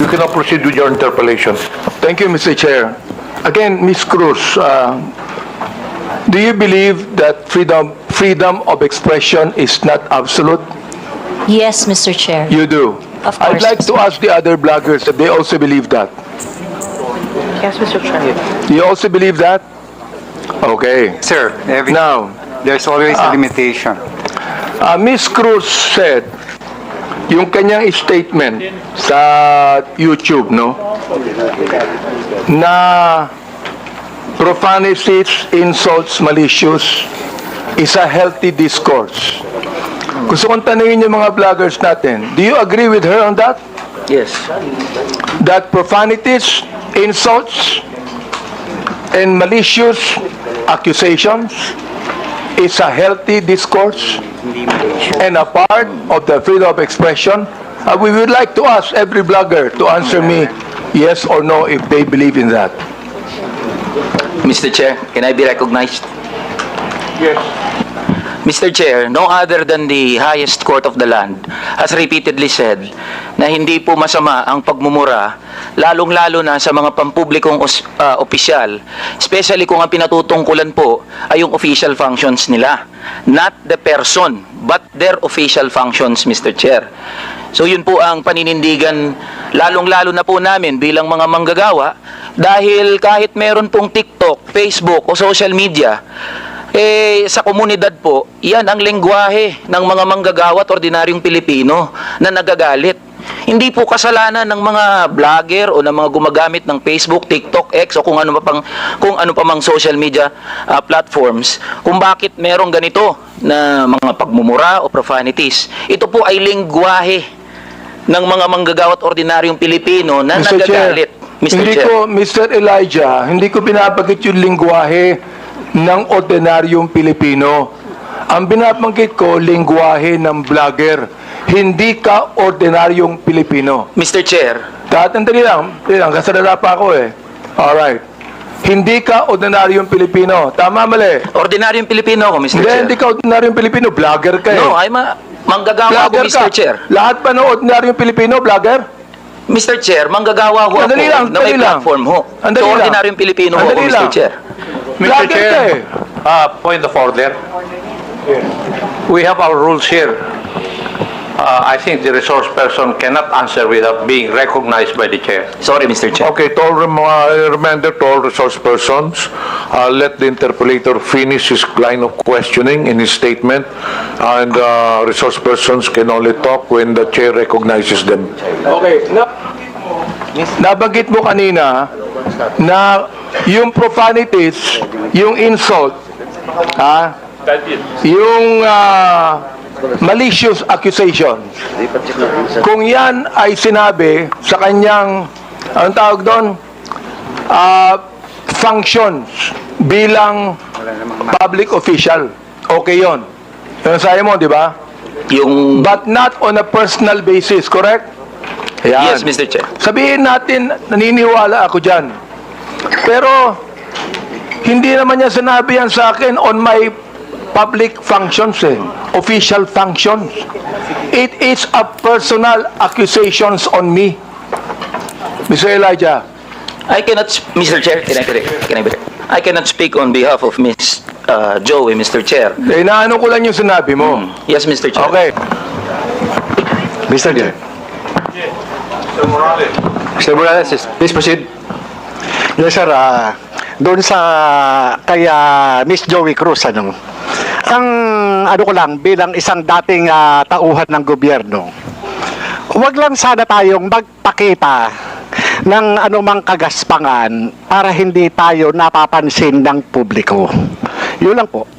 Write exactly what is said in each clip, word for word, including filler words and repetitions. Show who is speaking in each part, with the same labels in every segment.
Speaker 1: can now proceed with your interpellation.
Speaker 2: Thank you, Mister Chair. Again, Miz Cruz, uh, do you believe that freedom freedom of expression is not absolute?
Speaker 3: Yes, Mister Chair.
Speaker 2: You do.
Speaker 3: Of
Speaker 2: I'd
Speaker 3: course,
Speaker 2: like to ask the other bloggers if they also believe that.
Speaker 4: Yes, Mister Chair.
Speaker 2: You also believe that? Okay.
Speaker 5: Sir, every,
Speaker 2: Now,
Speaker 5: there's always a limitation.
Speaker 2: uh, Miz Cruz said, yung kanyang statement sa YouTube, no? Na profanities, insults, malicious is a healthy discourse. Gusto kong tanungin yung mga vloggers natin, do you agree with her on that?
Speaker 4: Yes.
Speaker 2: That profanities, insults, and malicious accusations is a healthy discourse and a part of the freedom of expression? Uh, we would like to ask every blogger to answer me yes or no if they believe in that.
Speaker 4: Mister Chair, can I be recognized?
Speaker 2: Yes.
Speaker 4: Mister Chair, no other than the highest court of the land has repeatedly said na hindi po masama ang pagmumura, lalong-lalo na sa mga pampublikong os, uh, opisyal, especially kung ang pinatutungkulan po ay yung official functions nila. Not the person, but their official functions, Mister Chair. So yun po ang paninindigan, lalong-lalo na po namin bilang mga manggagawa, dahil kahit meron pong TikTok, Facebook o social media, eh, sa komunidad po, yan ang lengguwahe ng mga manggagawa at ordinaryong Pilipino na nagagalit. Hindi po kasalanan ng mga vlogger o ng mga gumagamit ng Facebook, TikTok, X o kung ano pa pang kung ano pa mang social media uh, platforms kung bakit merong ganito na mga pagmumura o profanities. Ito po ay lengguwahe ng mga manggagawa at ordinaryong Pilipino na
Speaker 2: Mister
Speaker 4: nagagalit.
Speaker 2: Chair,
Speaker 4: Mister
Speaker 2: hindi
Speaker 4: Chair.
Speaker 2: ko, Mister Elijah, hindi ko binabagit yung lingwahe ng ordinaryong Pilipino. Ang binabanggit ko, lingwahe ng vlogger. Hindi ka ordinaryong Pilipino.
Speaker 4: Mister Chair,
Speaker 2: Tatandali lang, tandali lang, kasalala pa ako eh. Alright. Hindi ka ordinaryong Pilipino. Tama, mali.
Speaker 4: ordinaryong Pilipino ako, Mister
Speaker 2: Hindi,
Speaker 4: Chair.
Speaker 2: hindi ka ordinaryong Pilipino. Vlogger ka eh.
Speaker 4: No, ay ma manggagawa ako,
Speaker 2: Vlogger
Speaker 4: Mister
Speaker 2: ka.
Speaker 4: Chair.
Speaker 2: Lahat pa ng ordinaryong Pilipino, vlogger?
Speaker 4: Mister Chair, manggagawa ho ako
Speaker 2: Andali lang,
Speaker 4: na may
Speaker 2: andali lang.
Speaker 4: platform ho.
Speaker 2: Andali
Speaker 4: So,
Speaker 2: lang.
Speaker 4: ordinaryong Pilipino ho ako,
Speaker 2: Andali
Speaker 4: Mister
Speaker 2: lang.
Speaker 4: Chair.
Speaker 1: Mister
Speaker 2: Vlogger ka
Speaker 1: Chair,
Speaker 2: eh.
Speaker 1: uh, point of order. We have our rules here. Uh, I think the resource person cannot answer without being recognized by the chair.
Speaker 4: Sorry, Mister Chair.
Speaker 1: Okay, to all rem uh, reminder to all resource persons, uh, let the interpolator finish his line of questioning in his statement, and uh, resource persons can only talk when the chair recognizes them.
Speaker 2: Okay. Na nabanggit mo kanina na yung profanities, yung insult, ha? Yung uh, malicious accusations. Kung yan ay sinabi sa kanyang, anong tawag doon? Uh, functions bilang public official. Okay yon. Yung sayo mo, di ba?
Speaker 4: Yung...
Speaker 2: But not on a personal basis, correct? Ayan.
Speaker 4: Yes, Mister Chair.
Speaker 2: Sabihin natin, naniniwala ako dyan. Pero, hindi naman niya sinabi yan sa akin on my public functions eh. Official functions. It is a personal accusations on me. Mister Elijah.
Speaker 4: I cannot, Mister Chair, can I, can I, I cannot speak on behalf of Miss uh, Joey, Mister Chair.
Speaker 2: Eh, naano ko lang yung sinabi mo.
Speaker 4: Hmm. Yes, Mister Chair.
Speaker 2: Okay.
Speaker 5: Mister Chair.
Speaker 1: Mister Morales.
Speaker 5: Mister Morales, please proceed. Yes, sir. Uh, doon sa kay uh, Miss Joey Cruz, ano, ang ano ko lang, bilang isang dating uh, tauhan ng gobyerno, huwag lang sana tayong magpakita ng anumang kagaspangan para hindi tayo napapansin ng publiko. Yun lang po.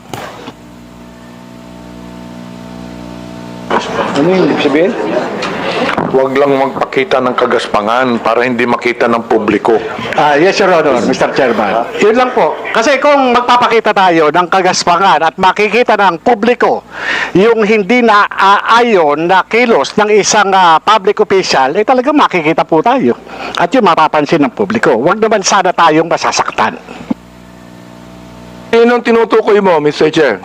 Speaker 5: Ano yung sabihin?
Speaker 1: Huwag lang magpakita ng kagaspangan para hindi makita ng publiko.
Speaker 5: Ah, yes, Your Honor, Mister Chairman. Yun lang po. Kasi kung magpapakita tayo ng kagaspangan at makikita ng publiko yung hindi na aayon na kilos ng isang uh, public official, eh talagang makikita po tayo. At yun mapapansin ng publiko. Huwag naman sana tayong masasaktan.
Speaker 2: Yun ang tinutukoy mo, Mister Chair.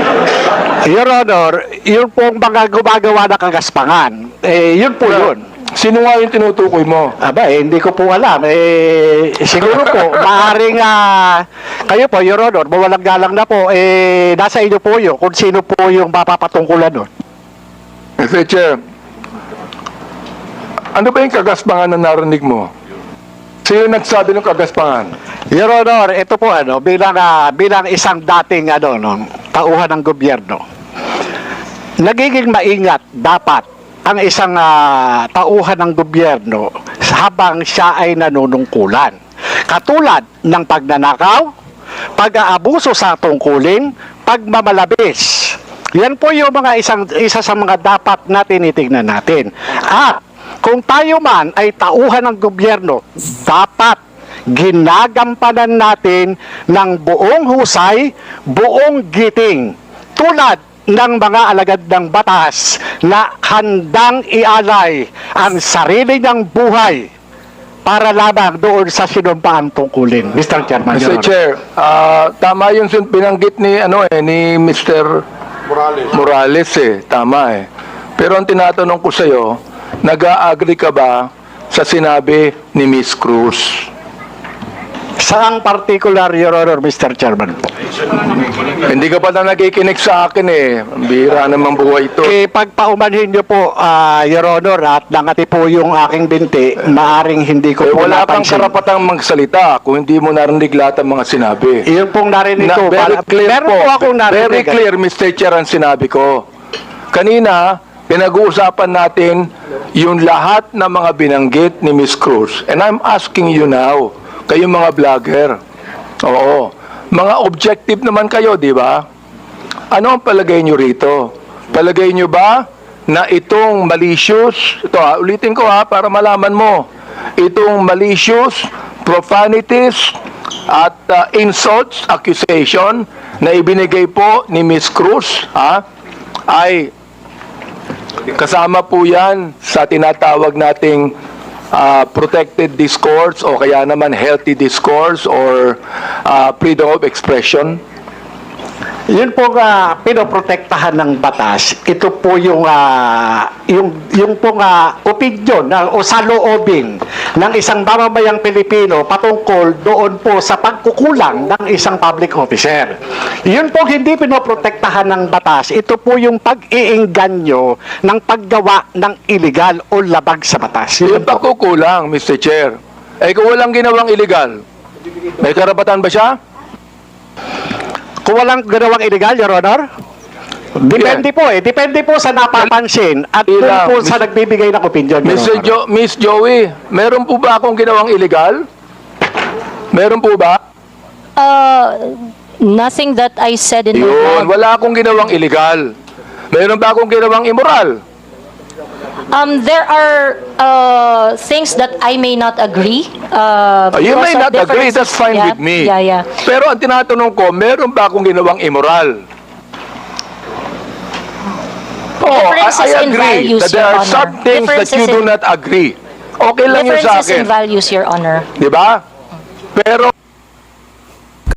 Speaker 5: Your Honor, yun pong mga gumagawa ng kagaspangan, eh yun po yun.
Speaker 2: Sino nga yung tinutukoy mo?
Speaker 5: Aba, eh, hindi ko po alam. Eh, siguro po, maaaring ah, kayo po, Your Honor, mawalang galang na po, eh, nasa inyo po yun kung sino po yung mapapatungkulan nun.
Speaker 2: mister Chair, ano ba yung kagaspangan na narinig mo? Sino nagsabi ng kagaspangan?
Speaker 5: Your Honor, ito po ano, bilang ah, bilang isang dating ano no, tauhan ng gobyerno. Nagiging maingat dapat ang isang ah, tauhan ng gobyerno habang siya ay nanunungkulan. Katulad ng pagnanakaw, pag-aabuso sa tungkulin, pagmamalabis. Yan po yung mga isang isa sa mga dapat na tinitingnan natin. At kung tayo man ay tauhan ng gobyerno, dapat ginagampanan natin ng buong husay, buong giting, tulad ng mga alagad ng batas na handang ialay ang sarili niyang buhay para lamang doon sa sinumpaang tungkulin. mister Chairman,
Speaker 2: mister
Speaker 5: Your Honor.
Speaker 2: Chair, ah, tama yung sin- binanggit ni, ano eh, ni mister Morales. Morales eh, tama eh. Pero ang tinatanong ko sa'yo, nag-a-agree ka ba sa sinabi ni Miss Cruz?
Speaker 5: Saang particular, Your Honor, mister Chairman?
Speaker 2: Hindi ka pa na nakikinig sa akin eh. Ang bihira namang buhay ito.
Speaker 5: Eh, pagpaumanhin niyo po, ah, Your Honor, at nangati po yung aking binti, maaring hindi ko
Speaker 2: Eh,
Speaker 5: po
Speaker 2: wala kang
Speaker 5: napansin.
Speaker 2: karapatang magsalita kung hindi mo narinig lahat ng mga sinabi.
Speaker 5: Yun pong narinig
Speaker 2: Na,
Speaker 5: ko.
Speaker 2: very
Speaker 5: Para-
Speaker 2: clear
Speaker 5: meron
Speaker 2: po.
Speaker 5: po akong narinig.
Speaker 2: Very clear, mister Chair, ang sinabi ko. Kanina, pinag-uusapan natin yung lahat ng mga binanggit ni Miss Cruz. And I'm asking you now, kayong mga vlogger. Oo. Mga objective naman kayo, di ba? Ano ang palagay nyo rito? Palagay nyo ba na itong malicious, ito ha, ulitin ko ha, para malaman mo, itong malicious, profanities, at uh, insults, accusation na ibinigay po ni Miss Cruz, ha, ay kasama po yan sa tinatawag nating uh, protected discourse o kaya naman healthy discourse or uh, freedom of expression.
Speaker 5: Yun po nga pinoprotektahan ng batas. Ito po yung ah, yung yung po nga opinion na o saloobin ng isang mamamayang Pilipino patungkol doon po sa pagkukulang ng isang public officer. Yun po hindi pinoprotektahan ng batas. Ito po yung pag-iingganyo ng paggawa ng illegal o labag sa batas. Yun
Speaker 2: Yung
Speaker 5: po.
Speaker 2: pagkukulang, mister Chair, eh kung walang ginawang illegal, may karapatan ba siya?
Speaker 5: Kung walang ginawang illegal, Your Honor? Depende po eh. Depende po sa napapansin at doon
Speaker 2: Ilang-
Speaker 5: po sa nagbibigay ng opinion, Your
Speaker 2: mister
Speaker 5: Honor.
Speaker 2: Jo Miss Joey, meron po ba akong ginawang illegal? Meron po ba?
Speaker 3: Uh, nothing that I said in my
Speaker 2: Yun,
Speaker 3: vlog.
Speaker 2: wala akong ginawang illegal. Meron ba akong ginawang immoral?
Speaker 3: Um, there are uh, things that I may not agree. Uh,
Speaker 2: Oh, you
Speaker 3: because
Speaker 2: may
Speaker 3: of
Speaker 2: not agree,
Speaker 3: differences.
Speaker 2: that's fine
Speaker 3: Yeah,
Speaker 2: with me.
Speaker 3: Yeah, yeah.
Speaker 2: Pero ang tinatanong ko, meron ba akong ginawang immoral? Oh, I,
Speaker 3: Differences
Speaker 2: I
Speaker 3: in
Speaker 2: agree
Speaker 3: values,
Speaker 2: that there
Speaker 3: Your
Speaker 2: are
Speaker 3: Honor.
Speaker 2: some things that you
Speaker 3: Differences
Speaker 2: do
Speaker 3: in-
Speaker 2: not agree. Okay lang yun sa
Speaker 3: Differences
Speaker 2: akin.
Speaker 3: in values, Your Honor.
Speaker 2: Di ba? Pero